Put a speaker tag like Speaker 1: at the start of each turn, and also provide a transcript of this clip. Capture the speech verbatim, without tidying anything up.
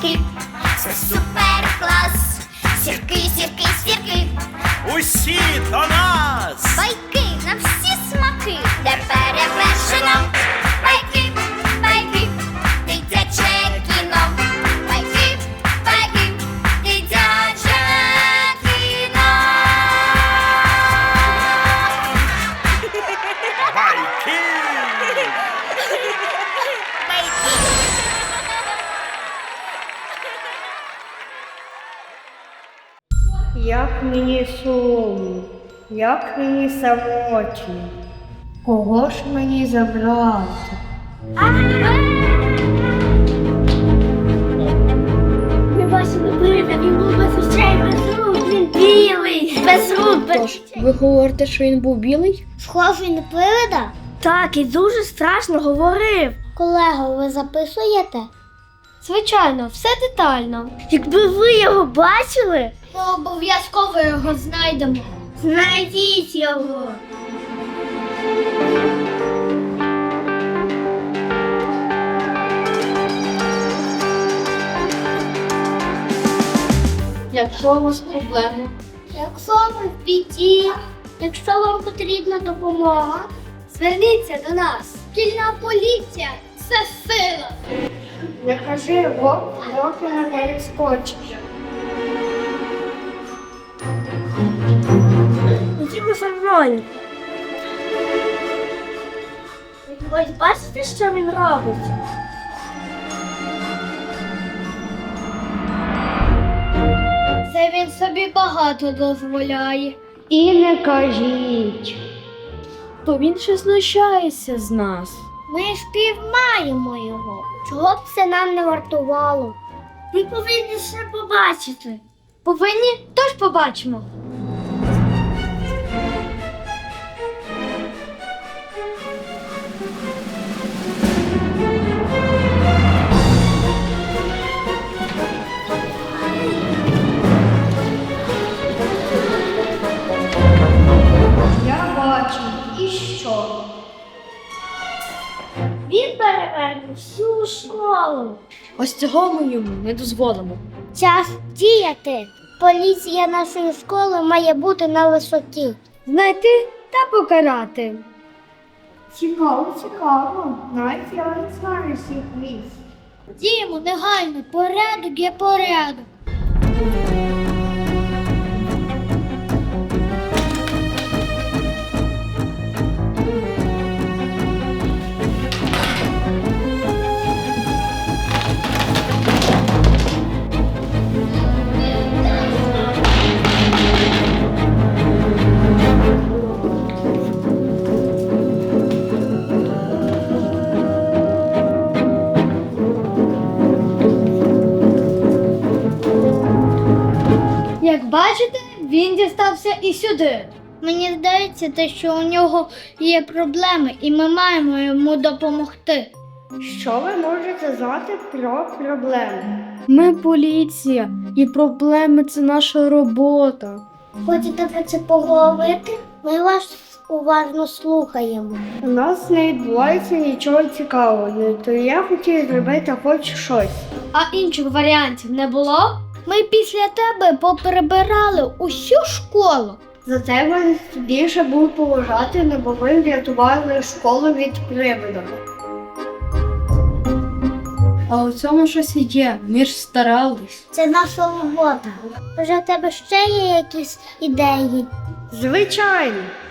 Speaker 1: сірки, це супер клас. Сірки, сірки, сірки,
Speaker 2: Усі до нас!
Speaker 1: байки на всі смаки, де перевершено. Байки, байки, дитяче кіно. Байки, байки, дитяче кіно.
Speaker 2: Байки!
Speaker 3: Як мені сумно, як мені самотньо, кого ж мені забрати?
Speaker 4: Ми бачили привида, він був без очей, без рук, він білий, без рук, без...
Speaker 3: Ви говорите, що він був білий?
Speaker 4: Схожий на привида? Так, і дуже страшно говорив. Колего, ви записуєте? Звичайно, все детально. Якби ви його бачили, ми обов'язково його знайдемо. Знайдіть його.
Speaker 3: Якщо у вас проблеми,
Speaker 4: Якщо ви в біді, якщо вам потрібна допомога, зверніться до нас. Шкільна поліція – це сила.
Speaker 3: не кажи вовк, доки не перескочиш.
Speaker 4: Ходімо за мною. Ось бачите, що він робить? Це він собі багато дозволяє.
Speaker 3: І не кажіть.
Speaker 4: То він ще знущається з нас. Ми ж піймаємо його. Чого б це нам не вартувало? Ви повинні ще побачити. Повинні? Тож побачимо.
Speaker 3: Я бачу. І що?
Speaker 4: Він переверне всю школу.
Speaker 3: Ось цього ми йому не дозволимо.
Speaker 4: Час діяти. Поліція нашої школи має бути на висоті.
Speaker 3: Знайти та покарати. Цікаво, цікаво. Навіть я не знаю всіх місць.
Speaker 4: Діємо негайно, порядок є порядок.
Speaker 3: Як бачите, він дістався і сюди.
Speaker 4: Мені здається, те, що у нього є проблеми, і ми маємо йому допомогти.
Speaker 3: Що ви можете знати про проблеми?
Speaker 5: Ми поліція, і проблеми – це наша робота.
Speaker 4: Хочете про це поговорити? Ми вас уважно слухаємо.
Speaker 3: У нас не відбувається нічого цікавого, то я хотів зробити хоч щось.
Speaker 5: А інших варіантів не було?
Speaker 4: Ми після тебе поприбирали усю школу.
Speaker 3: За це вас більше буду поважати, не бо ви врятували школу від привида.
Speaker 5: А у цьому щось є, ми ж старались.
Speaker 4: Це наша робота. Може, в тебе ще є якісь ідеї?
Speaker 3: Звичайно,